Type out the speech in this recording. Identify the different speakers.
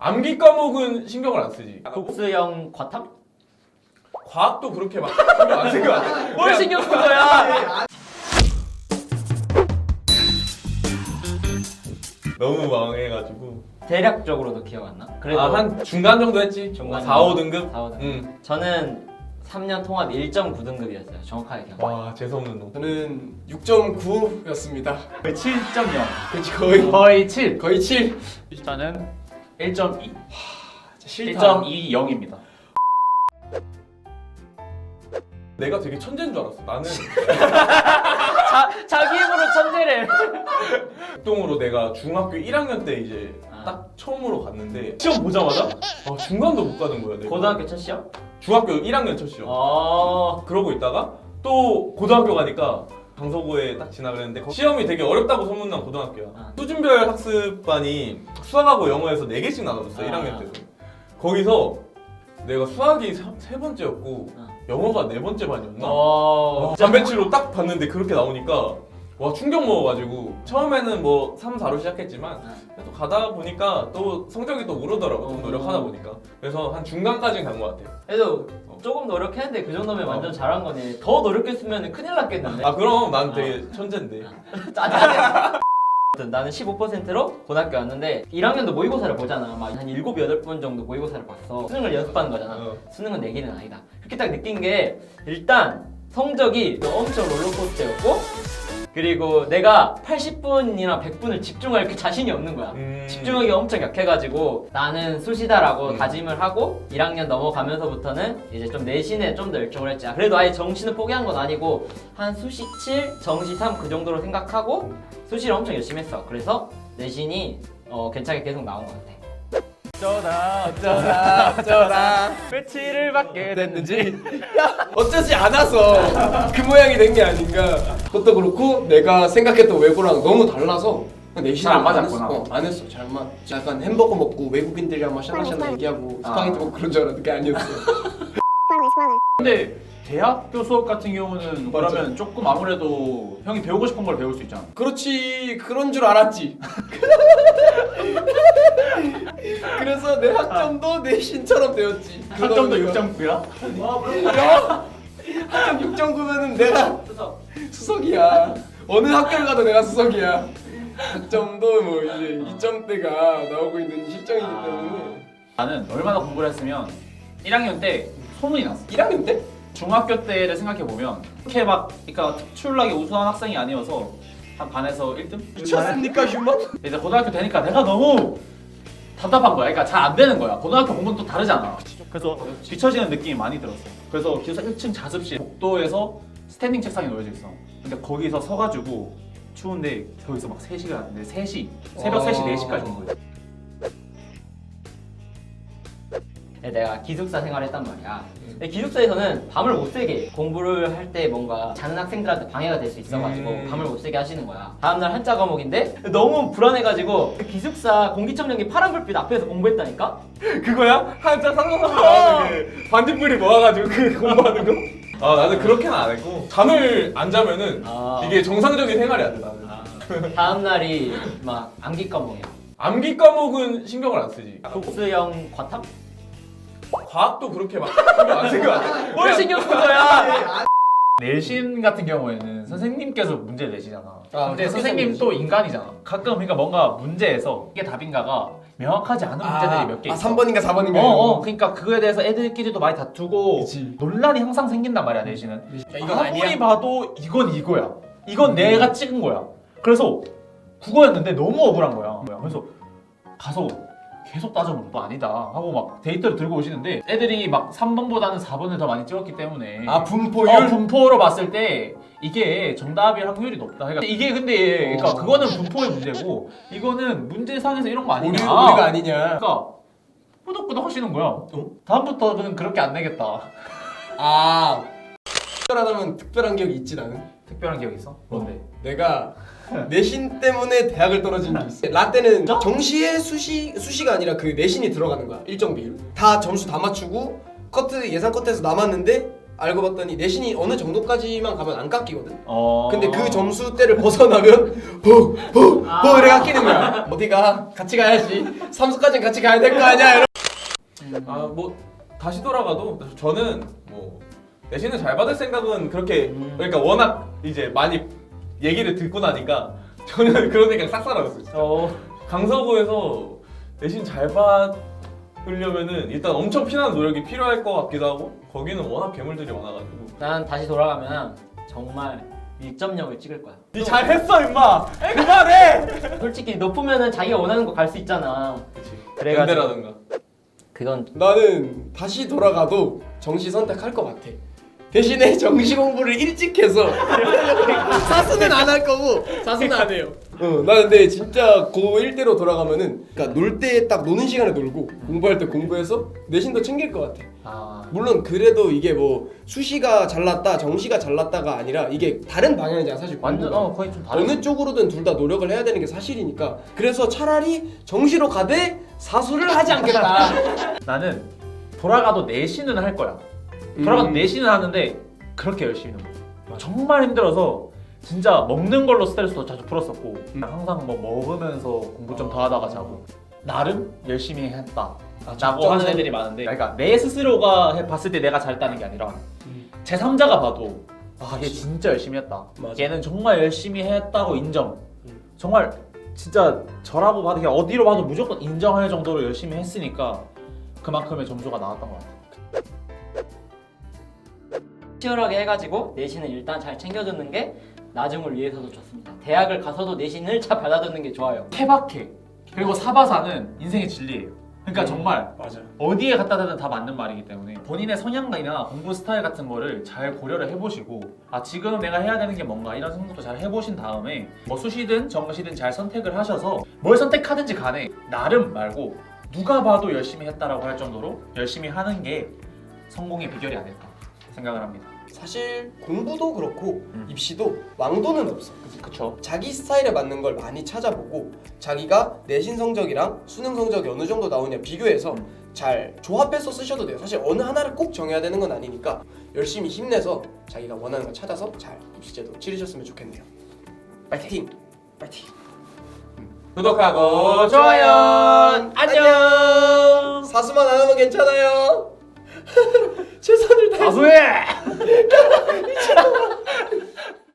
Speaker 1: 암기 과목은 신경을 안 쓰지.
Speaker 2: 국수형 과탐?
Speaker 1: 과학도 그렇게 막 신경 안 쓴 거 같아.
Speaker 2: 뭘 신경 쓴 거야?
Speaker 1: 너무 망해가지고.
Speaker 2: 대략적으로도 기억 안 나? 그래도
Speaker 1: 한 중간 정도 했지.
Speaker 2: 중간
Speaker 1: 4, 5등급?
Speaker 2: 4, 5등급.
Speaker 1: 응.
Speaker 2: 저는 3년 통합 1.9등급이었어요. 정확하게 기억.
Speaker 1: 와, 재수없는 놈.
Speaker 3: 저는 6.9였습니다.
Speaker 4: 거의 7.0.
Speaker 3: 그치 거의
Speaker 4: 거의 7.
Speaker 3: 거의 7.
Speaker 4: 저는 1.2.
Speaker 3: 싫다.
Speaker 4: 1.20입니다.
Speaker 1: 내가 되게 천재인 줄 알았어. 나는
Speaker 2: 자기 힘으로 천재를.
Speaker 1: 극동으로 내가 중학교 1학년 때 이제
Speaker 2: 아.
Speaker 1: 딱 처음으로 갔는데 시험 보자마자 중간도 못 가는 거야. 내가.
Speaker 2: 고등학교 첫 시험?
Speaker 1: 중학교 1학년 첫 시험. 그러고 있다가 또 고등학교 가니까 강서구에 딱 지나가 했는데 시험이 되게 어렵다고 소문난 고등학교야. 수준별 학습반이 수학하고 영어에서 4개씩 나눠줬어. 1학년 때도. 거기서 내가 수학이 세 번째였고 영어가 4번째 반이었나? 반배치로 딱 봤는데 그렇게 나오니까 와 충격 먹어가지고 처음에는 뭐 3, 4로 시작했지만 또 가다 보니까 또 성적이 또 오르더라고. 좀 노력하다 보니까. 그래서 한 중간까지는 간 것 같아.
Speaker 2: 그래도 조금 노력했는데 그 정도면 완전 잘한 거네. 더 노력했으면 큰일 났겠는데.
Speaker 1: 그럼 난 되게 천재인데.
Speaker 2: 짜증나. 나는 15%로 고등학교 왔는데 1학년도 모의고사를 보잖아. 막 한 7, 8번 정도 모의고사를 봤어. 수능을 연습하는 거잖아. 수능은 내 길은 아니다. 그렇게 딱 느낀 게 일단 성적이 엄청 롤러코스터였고 그리고 내가 80분이나 100분을 집중할 그 자신이 없는 거야. 집중하기 엄청 약해가지고 나는 수시다라고 다짐을 하고 1학년 넘어가면서부터는 이제 좀 내신에 좀 더 열정을 했지. 그래도 아예 정시는 포기한 건 아니고 한 수시 7, 정시 3 그 정도로 생각하고 수시를 엄청 열심히 했어. 그래서 내신이 괜찮게 계속 나온 것 같아.
Speaker 3: 어쩌다
Speaker 4: 왜 7을 받게
Speaker 3: 됐는지 어쩌지 않아서 그 모양이 된 게 아닌가. 그것도 그렇고 내가 생각했던 외고랑 너무 달라서 내신을
Speaker 4: 잘 안 맞았구나.
Speaker 3: 안 했어. 잘 맞. 약간 햄버거 먹고 외국인들이랑 막 샤나샤나 얘기하고 스파게티 먹고 그런 줄 알았는데 그게 아니었어.
Speaker 4: 근데 대학교 수업 같은 경우는 그러면 조금 아무래도 형이 배우고 싶은 걸 배울 수 있잖아.
Speaker 3: 그렇지 그런 줄 알았지. 그래서 내 학점도 내신처럼 되었지.
Speaker 4: 학점도 6.9야?
Speaker 3: 학점 6.9면은 내가 수석이야. 어느 학교를 가도 내가 수석이야. 학점도 뭐 이제 2점대가 나오고 있는 실정이기 때문에.
Speaker 4: 나는 얼마나 공부를 했으면 1학년 때 소문이 났어.
Speaker 3: 1학년 때?
Speaker 4: 중학교 때를 생각해보면 그렇게 막 그러니까 특출나게 우수한 학생이 아니어서 한 반에서 1등?
Speaker 3: 미쳤습니까 휴먼?
Speaker 4: 이제 고등학교 되니까 내가 너무 답답한 거야. 그러니까 잘 안 되는 거야. 고등학교 공부는 또 다르잖아. 그래서 뒤처지는 느낌이 많이 들었어. 그래서 기숙사 1층 자습실 복도에서 스탠딩 책상이 놓여져 있어. 근데 거기서 서가지고 추운데 거기서 막 3시간, 3시, 새벽 3시, 4시까지 온 거야.
Speaker 2: 내가 기숙사 생활을 했단 말이야. 근데 기숙사에서는 밤을 못 새게 공부를 할 때 뭔가 자는 학생들한테 방해가 될 수 있어가지고 밤을 못 새게 하시는 거야. 다음날 한자 과목인데 너무 불안해가지고 그 기숙사 공기청정기 파란 불빛 앞에서 공부했다니까?
Speaker 1: 그거야? 한자 상상하는 그 반딧불이 모아가지고 그 공부하는 거? 나는 그렇게는 안 했고 잠을 안 자면은 이게 정상적인 생활이 안 돼 나는.
Speaker 2: 다음날이 막 암기 과목이야.
Speaker 1: 암기 과목은 신경을 안 쓰지.
Speaker 2: 국수형 과탐?
Speaker 1: 과학도 그렇게 막 신경 안 쓴 거 같아.
Speaker 2: 뭘 신경 쓴 거야?
Speaker 4: 내신 같은 경우에는 선생님께서 문제를 내시잖아. 근데
Speaker 3: 학교
Speaker 4: 선생님
Speaker 3: 내신.
Speaker 4: 또 인간이잖아. 가끔 그러니까 뭔가 문제에서 이게 답인가가 명확하지 않은 문제들이 몇 개 있어.
Speaker 3: 3번인가 4번인가.
Speaker 4: 그러니까 그거에 대해서 애들끼리도 많이 다투고
Speaker 3: 그치.
Speaker 4: 논란이 항상 생긴단 말이야 내신은.
Speaker 3: 이건
Speaker 4: 아무리
Speaker 3: 아니야.
Speaker 4: 봐도 이건 이거야. 이건 내가 찍은 거야. 그래서 국어였는데 너무 억울한 거야. 그래서 가서 계속 따져보면 또 아니다 하고 막 데이터를 들고 오시는데 애들이 막 3번보다는 4번을 더 많이 찍었기 때문에
Speaker 3: 분포율?
Speaker 4: 분포로 봤을 때 이게 정답일 확률이 높다. 그러니까 이게 근데 그러니까 그거는 분포의 문제고 이거는 문제상에서 이런 거 아니냐.
Speaker 3: 우리가 아니냐.
Speaker 4: 그러니까 꾸덕꾸덕 하시는 거야. 다음부터는 그렇게 안 내겠다.
Speaker 3: 특별하다면 특별한 기억이 있지 나는.
Speaker 4: 특별한 기억 있어? 뭔데?
Speaker 3: 내가 내신 때문에 대학을 떨어진 게 있어. 라떼는 정시에 수시가 아니라 그 내신이 들어가는 거야. 일정 비율. 다 점수 다 맞추고 예상 커트에서 남았는데 알고 봤더니 내신이 어느 정도까지만 가면 안 깎이거든.
Speaker 4: 어.
Speaker 3: 근데 그 점수대를 벗어나면 이래 깎이는 거야. 어디가? 같이 가야지. 삼수까지는 같이 가야 될 거 아니야. 이러.
Speaker 1: 아 뭐 다시 돌아가도 저는 뭐 내신을 잘 받을 생각은 그렇게 그러니까 워낙 이제 많이 얘기를 듣고 나니까 저는 그런 생각 싹 사라졌어요. 진짜. 강서구에서 내신 잘 받으려면은 일단 엄청 피나는 노력이 필요할 것 같기도 하고 거기는 워낙 괴물들이 많아가지고.
Speaker 2: 난 다시 돌아가면 정말 1점력을 찍을 거야.
Speaker 1: 니 잘했어 임마. 그만해.
Speaker 2: 솔직히 높으면은 자기가 원하는 거 갈 수 있잖아.
Speaker 1: 그렇지.
Speaker 2: 그래가지고
Speaker 1: 연대라든가.
Speaker 2: 그건
Speaker 3: 나는 다시 돌아가도 정시 선택할 것 같아. 대신에 정시 공부를 일찍 해서 사수는 안 할 거고 사수는 안 해요. 나 근데 진짜 고1 때로 돌아가면은 그러니까 놀 때 딱 노는 시간에 놀고 공부할 때 공부해서 내신도 챙길 것 같아.
Speaker 4: 아.
Speaker 3: 물론 그래도 이게 뭐 수시가 잘났다 정시가 잘났다가 아니라 이게 다른 방향이잖아 사실
Speaker 4: 완전
Speaker 3: 공부가.
Speaker 4: 거의 좀 다른.
Speaker 3: 어느 쪽으로든 둘 다 노력을 해야 되는 게 사실이니까 그래서 차라리 정시로 가되 사수를 하지 않겠다.
Speaker 4: 나는 돌아가도 내신은 할 거야. 돌아가도 내신은 하는데 그렇게 열심히는 못 해. 정말 힘들어서 진짜 먹는 걸로 스트레스도 자주 풀었었고 항상 뭐 먹으면서 공부 좀 더 하다가 자고 나름 열심히 했다 라고 하는 애들이 많은데 그러니까 내 스스로가 봤을 때 내가 잘했다는 게 아니라 제3자가 봐도 아 얘 진짜 열심히 했다.
Speaker 3: 맞아.
Speaker 4: 얘는 정말 열심히 했다고 인정. 정말 진짜 저라고 봐도 그냥 어디로 봐도 무조건 인정할 정도로 열심히 했으니까 그만큼의 점수가 나왔던 것 같아.
Speaker 2: 치열하게 해가지고 내신을 일단 잘 챙겨주는 게 나중을 위해서도 좋습니다. 대학을 가서도 내신을 잘 받아두는 게 좋아요.
Speaker 4: 케바케 그리고 사바사는 인생의 진리예요. 그러니까 정말
Speaker 3: 맞아.
Speaker 4: 어디에 갖다 대든 다 맞는 말이기 때문에 본인의 성향이나 공부 스타일 같은 거를 잘 고려를 해보시고 아 지금 내가 해야 되는 게 뭔가 이런 생각도 잘 해보신 다음에 뭐 수시든 정시든 잘 선택을 하셔서 뭘 선택하든지 간에 나름 말고 누가 봐도 열심히 했다라고 할 정도로 열심히 하는 게 성공의 비결이 아닐까 생각을 합니다.
Speaker 3: 사실 공부도 그렇고 입시도 왕도는 없어.
Speaker 4: 그쵸?
Speaker 3: 자기 스타일에 맞는 걸 많이 찾아보고 자기가 내신 성적이랑 수능 성적이 어느 정도 나오냐 비교해서 잘 조합해서 쓰셔도 돼요. 사실 어느 하나를 꼭 정해야 되는 건 아니니까 열심히 힘내서 자기가 원하는 걸 찾아서 잘 입시제도 치르셨으면 좋겠네요. 파이팅! 파이팅!
Speaker 1: 구독하고
Speaker 3: 좋아요! 안녕! 사수만 안 하면 괜찮아요. 최선을 다해.
Speaker 4: 사수해!